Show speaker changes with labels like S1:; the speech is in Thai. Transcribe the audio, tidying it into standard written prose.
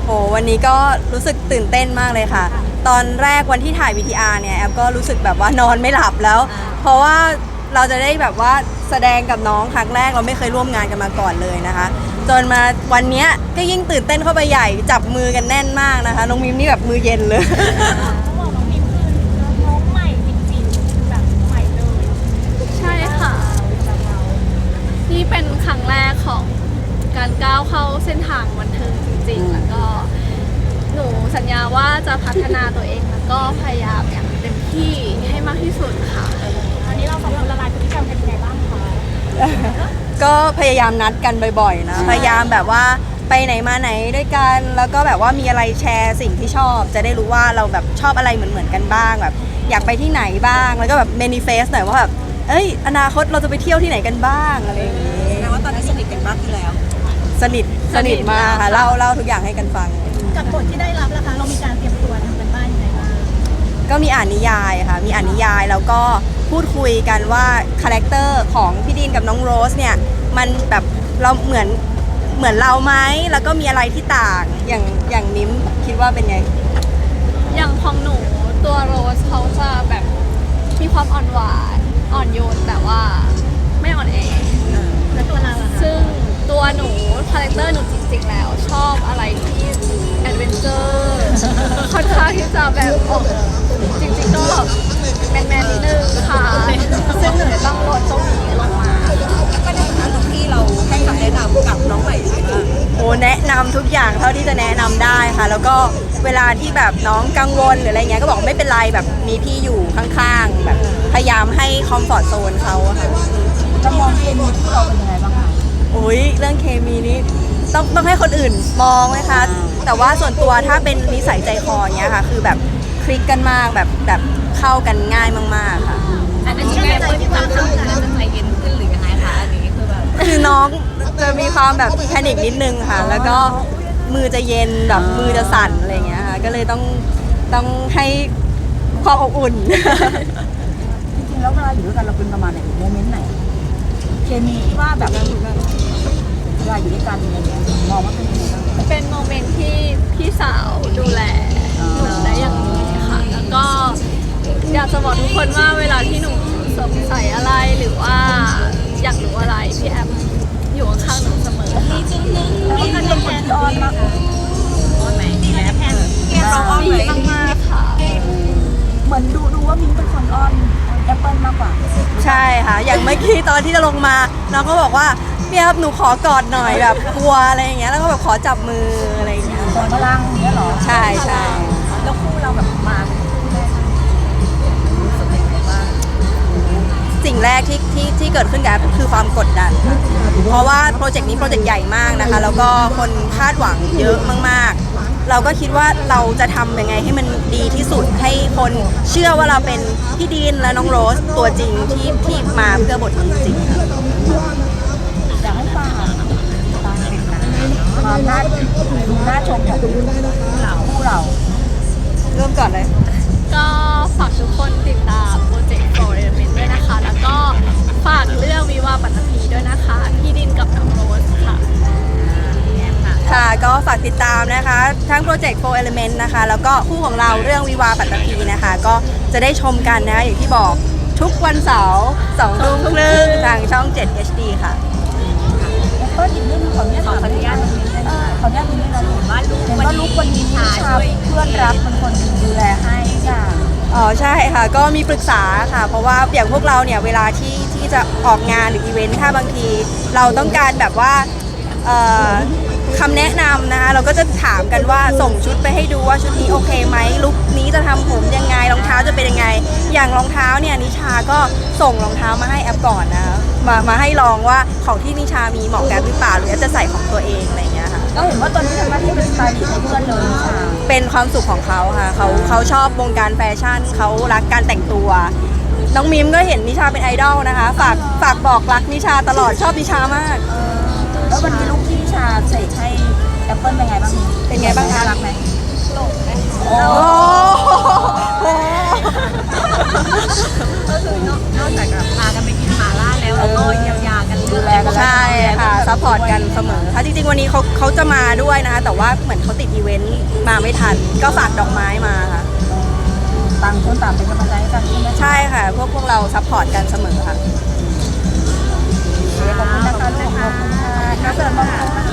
S1: โหวันนี้ก็รู้สึกตื่นเต้นมากเลยค่ะ ตอนแรกวันที่ถ่าย VTR เนี่ยแอฟก็รู้สึกแบบว่านอนไม่หลับแล้ว เพราะว่าเราจะได้แบบว่าแสดงกับน้องครั้งแรกเราไม่เคยร่วมงานกันมาก่อนเลยนะคะ จนมาวันเนี้ยก็ยิ่งตื่นเต้นเข้าไปใหญ่จับมือกันแน่นมากนะคะน้องมิมนี่แบบมือเย็นเลย
S2: ต้องบอกน้องมิมคือน้องใหม่จริงๆแบบใหม่เลย
S3: ใช่ค่ะ นี่เป็นครั้งแรกของการก้าวเข้าเส้นทางบันเทิงจริงๆ แล้วก็หนูสัญญาว่าจะพัฒนาตัวเองแล้วก็พยายามอย่างเต็มที่ให้มากที่สุดค่ะ
S2: ตอนนี้เราสองคนละลายพฤติกรรมกันยังไงบ้างคะ
S1: ก็พยายามนัดกันบ่อยๆนะพยายามแบบว่าไปไหนมาไหนด้วยกันแล้วก็แบบว่ามีอะไรแชร์สิ่งที่ชอบ จะได้รู้ว่าเราแบบชอบอะไรเหมือนๆกันบ้างแบบอยากไปที่ไหนบ้างแล้วก็แบบเมนิเฟสหน่อยว่าแบบเอ้ยอนาคตเราจะไปเที่ยวที่ไหนกันบ้างอะไรอย่างงี้
S4: แปลว่าตอนนี้สนิทกันมากขึ้นแล้ว
S1: สนิทมากค่ะเล่าทุกอย่างให้กันฟัง
S2: กับบทที่ได้รับนะคะเรามีการเตรียมตัวทำกันบ้านยังไงบ้าง
S1: ก็มีอ่านนิยายค่ะมีอ่านนิยายแล้วก็พูดคุยกันว่าคาแรคเตอร์ของพี่ดีนกับน้องโรสเนี่ยมันแบบเราเหมือนเราไหมแล้วก็มีอะไรที่ต่างอย่างนิ้มคิดว่าเป็นไง
S3: อย่างของหนูตัวโรสเขาจะแบบมีความอ่อนหวานอ่อนโยนแต่ว่าไม่อ่อนแอ
S2: แล้วตัวเราอะคะ
S3: ซึ่งตัวหนูคาแรคเตอร์หนูจริงๆแล้วชอบอะไรที่แอดเวนเจอร์ค่อนข้างที่จะแบบออกจริงๆก็แมนๆนิดนึงค่ะซึ่งหนูจะต้องลดตรงนี้ลงมา
S4: ก็ในฐานะลูกพี่เราให้คำแนะนำกับน้องใหม่ยังไงบ้าง
S1: โอ้แนะนำทุกอย่างเท่าที่จะแนะนำได้ค่ะ แล้วก็เวลาที่แบบน้องกังวลหรืออะไรเงี้ยก็บอกไม่เป็นไรแบบมีพี่อยู่ข้างๆแบบพยายามให้คอมฟอร์ตโซนเขาอะค่ะ
S4: จะมองเคมีที่เราเป็นยังไงบ้างคะ
S1: โอ้ยเรื่องเคมีนี้ต้องให้คนอื่นมองไหมคะแต่ว่าส่วนตัวถ้าเป็นนิสัยใจคออย่างเงี้ยค่ะ คือแบบคลิกกันมากแบบเข้ากันง่ายมากๆค่ะ
S4: อันนี้แม่คนที่ทำให้เราจะใจเย็นขึ้นหรือยังไงคะอันนี้คือแบบ
S1: คือน้องจะมีความแบบแพนิคนิดนึงค่ะ แล้วก็มือจะเย็นแบบมือจะสั่นอะไรอย่างเงี้ยค่ะก็เลยต้องให้ความอบอุ่น
S4: จริงๆแล้วเวลาอยู่ด้วยกันเราเป็นประมาณไหนโมเมนต์ไหน เคมีที่ว่าแบบเวลาอยู่ด้วยกันอะไรเงี้ยมองว่าเป็นยังไงบ้าง
S3: เป็นโมเมนต์ที่พี่สาวดูแลหนูได้อย่างดีค่ะ แล้วก็อยากจะบอกทุกคนว่าเวลาที่หนูสงสัยอะไรหรือว่าอยากรู้อะไรพี่แอมอยู่ข้างๆหนูเสมอค่ะ
S2: แล้วก็การแทน
S4: อ้อนมากอ้อนไหมแม่แพน
S3: เราอ้อนมากๆค่ะ
S4: เหมือนดูว่ามิ้งเป็นคนอ้อนแอปเปิลมากกว่า
S1: ใช่ค่ะ อย่างเมื่อกี้ตอนที่จะลงมาน้องก็บอกว่าพี่ครับหนูขอกอดหน่อยแบบกลัวอะไรอย่างเงี้ยแล้วก็แบบขอจับมืออะไรอย่างเงี้ย
S4: ส่งพลังเนี้ยเหรอ
S1: ใช่ใช่
S4: แล้วคู่เราแบบมารู้สึกยังไงบ้าง
S1: สิ่งแรกที่เกิดขึ้นกับคือความกดดันค่ะเพราะว่าโปรเจกต์นี้โปรเจกต์ใหญ่มากนะคะ แล้วก็คนคาดหวังเยอะมากๆ เราก็คิดว่าเราจะทำยังไงให้มันดีที่สุดให้คนเชื่อว่าเราเป็นพี่ดีนและน้องโรสตัวจริงที่มาเพื่อบทนี้จริงๆค่ะ
S4: อยากให้ฟังเป็นหนังความน่าชมของคู่เรา
S1: เริ่มก่อนเลย
S3: ก็ฝากทุกคนติดตามโปรเจกต์ For Element ด้วยนะคะ แล้วก็ฝากเรื่องวิวาห์ปัตตภีด้วยนะคะ พี่ดินกับน้องโรสค่ะ
S1: ค่ะก็ฝากติดตามนะคะทั้งโปรเจกต์ 4 Element นะคะแล้วก็คู่ของเราเรื่องวิวาห์ปัตตภีนะคะก็จะได้ชมกันนะคะอย่างที่บอกทุกวันเสาร์2 ทุ่มครึ่งทางช่อง 7 HD ค่ะ
S4: ก็อีกเรื่องนึงขออนุญาตตรงนี้ได้ไหมขออนุญาตตรงนี้เราเห็นว่าลูกวันนี้ชาช่วยเพื่อนรักเป็นคนดูแลให้ค่ะ
S1: อ๋อใช่ค่ะก็มีปรึกษาค่ะ เพราะว่าอย่างพวกเราเนี่ยเวลาที่จะออกงานหรืออีเวนต์ถ้าบางทีเราต้องการแบบว่าคำแนะนำนะคะเราก็จะถามกันว่าส่งชุดไปให้ดูว่าชุดนี้โอเคไหมลุคนี้จะทำผมยังไงรองเท้าจะเป็นยังไง อย่างรองเท้าเนี่ยนิชาก็ส่งรองเท้ามาให้แอปก่อนนะคะมาให้ลองว่าของที่นิชามีเหมาะกับหรือเปล่าหรือจะใส่ของตัวเองอะไรอย่างเงี้ยค่ะ
S4: ก็เห็นว่าตอนนี้ทำหน้าที่เป็นสไตลิสต์ให้เพื่อนเลยนิชา
S1: เป็นความสุขของเขาค่ะเขาชอบวงการแฟชั่นเขารักการแต่งตัว น้องมิมก็เห็นนิชาเป็นไอดอลนะคะฝากบอกรักนิชาตลอดชอบนิชามาก
S4: แล้ววันนี้ลูกที่นิชาเสกให้แอปเปิลเป็นไงบ้าง
S1: เป็นไงบ้างคะ
S4: น่ารักไหม
S3: หลงเลย
S4: โอ้
S1: โอ้โห
S4: ก็คือนอกจากพากันไปกินหมาล่าแล้วเราก็เยียวยากันดูแลกัน
S1: ใช่ค่ะซัพซัพพอร์ตกันเสมอค่ะจริงๆวันนี้เขาจะมาด้วยนะคะแต่ว่าเหมือนเขาติดอีเวนต์มาไม่ทันก็ฝากดอกไม้มาค่ะ
S4: ต่างคนต่างเป็นกำลังใจให้กันใช่ไหม
S1: ใช่ค่ะพวกเราซัพพอร์ตกันเสมอค่ะ
S4: ขอบคุณนะคะลูกขอบคุณค่ะน่าเสริมมาก